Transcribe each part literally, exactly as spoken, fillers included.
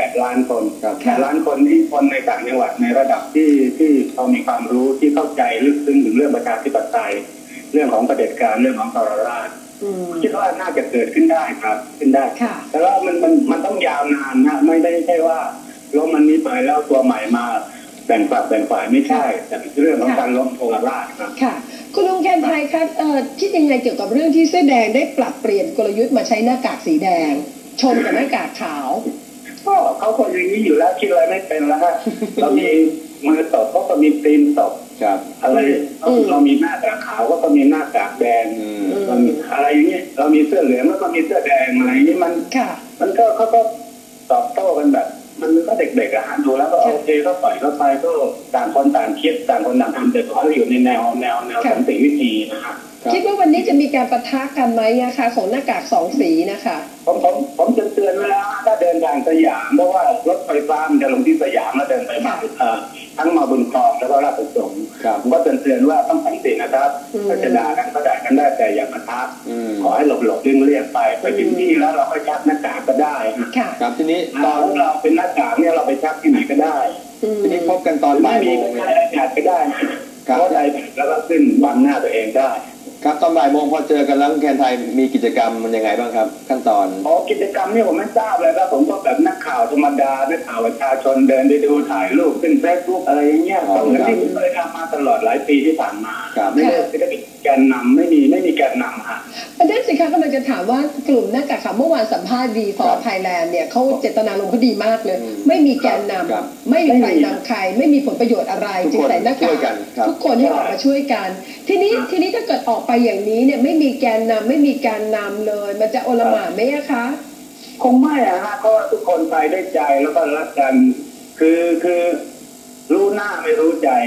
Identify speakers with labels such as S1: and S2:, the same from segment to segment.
S1: ดล้านคนแปดล้านคนนี่คนในต่างจังหวัดในระดับที่ที่เขามีความรู้ที่เข้าใจลึกซึ้งถึงเรื่องประชาธิปไตยเรื่องของเผด็จการเรื่องของทรราชคิดว่าน่าจะเกิดขึ้นได้ครับขึ้นได้แต่ว่ามันมันมันต้องยาวนานนะไม่ได้ใช่ว่าล้มมันนี้ไปแล้วตัวใหม่มาแบ่งฝักแบ่งฝ่ายไม่ใช่แต่เป็นเรื่องของการล้มทรราชครับ
S2: ค่ะคุณลุงแคนไทยครับคิดยังไงเกี่ยวกับเรื่องที่เสื้อแดงได้ปรับเปลี่ยนกลยุทธ์มาใช้หน้ากากสีแดงชนกับหน้ากากขาว
S1: ก็เขาคนอย่างนี้อยู่แล้วคิดอะไรไม่เป็นแล้วฮะเรามีมือตบเขาก็มีตีนตบอะไรเรามีหน้ากากขาวก็มีหน้ากากแดงเรามีอะไรอย่างเงี้ยเรามีเสื้อเหลืองแล้วก็มีเสื้อแดงอะไรนี้มันมันก็เขาก็ตอบโต้กันแบบมันก็เด็กๆอะฮะดูแล้วก็โอเคก็ปล่อยก็ไปก็ต่างคนต่างคิดต่างคนต่างทำแต่ขออยู่ในแนวแนวแนวสันติวิธีนะฮะ
S2: คิดว่าวันนี้จะมีการปะทะกันไหมนะคะของหน้ากากสองสีนะคะ
S1: ผมผมผมจะเตือนไว้แล้วถ้าเดินทางสยามเพราะว่ารถไฟฟ้ามันจะลงที่สยามแล้วเดินไปมาทั้งมาบุญครองแล้วก็ราชประสงค์ผมก็เตือนเตือนว่าต้องสันตินะครับถ้าจะด่ากันก็ด่ากันได้แต่อย่าปะทะขอให้หลบหลบเลี่ยงเลี่ยงไปไปถึงที่แล้วเราก็ชักหน้ากากก็ได้
S3: ครับทีนี้
S1: ตอนเราเป็นหน้ากากเนี่ยเราไปชักที่ไหนก็ได้
S3: ทีนี้พบกันตอนบ่ายโมง
S1: เลยหน้ากากก็ได้เพราะใดแล้วก็ขึ้นบังหน้าตัวเองได้
S3: ครับตอนบ่ายโมงพอเจอกันแล้วแคนไทยมีกิจกรรมมันยังไงบ้างครับขั้นตอน
S1: อ๋อกิจกรรมนี่ผมไม่ทราบเลยครับผมก็แบบนักข่าวธรรมดานักข่าวประชาชนเดินไปดูถ่ายรูปขึ้นเฟซบุ๊กอะไรอย่างเงี้ยก็เหมือนที่ผมเคยทำมาตลอดหลายปีที่ผ่านมาไม่ได้ไม่ได้มีแกนนำไม่มีไม่มีแกนนำค่ะ
S2: ประเด็นสิคะกำลังจะถามว่ากลุ่มหน้ากากขาวเมื่อวานสัมภาษณ์ดีฟอร์ไทยแลนด์เนี่ยเขาเจตนาลงเขาดีมากเลยไม่มีแกนนำไม่มีใครนำใครไม่มีผลประโยชน์อะไรจึงใส่หน้ากากทุกคนให้ออกมาช่วยกันทีนี้ทีนี้ถ้าเกิดออกไปอย่างนี้เนี่ยไม่มีแกนนำไม่มีการนำเลยมันจะโอลหม่านไหมคะ
S1: คงไม่อะฮะเพราะทุกคนไปได้ใจแล้วก็รักกันคือคือรู้หน้าไม่รู้ใจ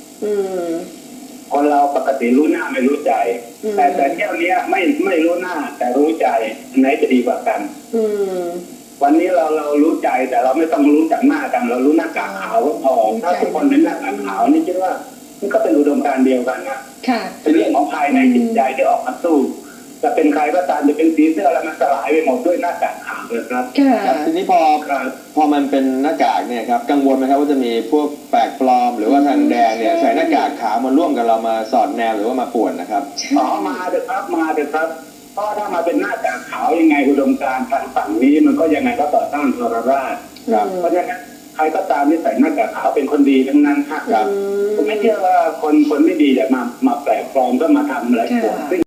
S1: คนเราปกติรู้หน้าไม่รู้ใจแต่แต่เที่ยวนี้ไม่ไม่รู้หน้าแต่รู้ใจไหนจะดีกว่ากันวันนี้เราเรารู้ใจแต่เราไม่ต้องรู้จากหน้ากันเรารู้หน้ากากขาวก็พอถ้าทุกคนเป็นหน้ากากขาวนี่คิดว่ามันก็เป็นอุดมการณ์เดียวกันนะเป็นเรื่องของภายในจิตใจที่ออกมาสู้จะเป็นใครก็ตามจะเป็นสีเสื้ออะไรมันสลายไปหมดด้วยหน้ากากขาวเลยครับ
S3: ทีนี้พอพอมันเป็นหน้ากากเนี่ยครับกังวลไหมครับว่าจะมีพวกแปลกปลอมหรือว่าทางแดงเนี่ยใส่หน้ากากขาวมาร่วมกับเรามาสอดแนวหรือว่ามาป่วนนะครับ
S1: อ๋อมาเถอะครับมาเถอะครับเพราะถ้ามาเป็นหน้ากากขาวยังไงอุดมการณ์ทางฝั่งนี้มันก็ยังไงก็ต่อต้านทรราชเพราะฉะนั้นใครก็ตามที่ใส่หน้ากากขาวเป็นคนดีทั้งนั้นครับผมไม่เชื่อว่าคนคนไม่ดีจะมามาแปลกปลอมก็มาทำอะไรพวก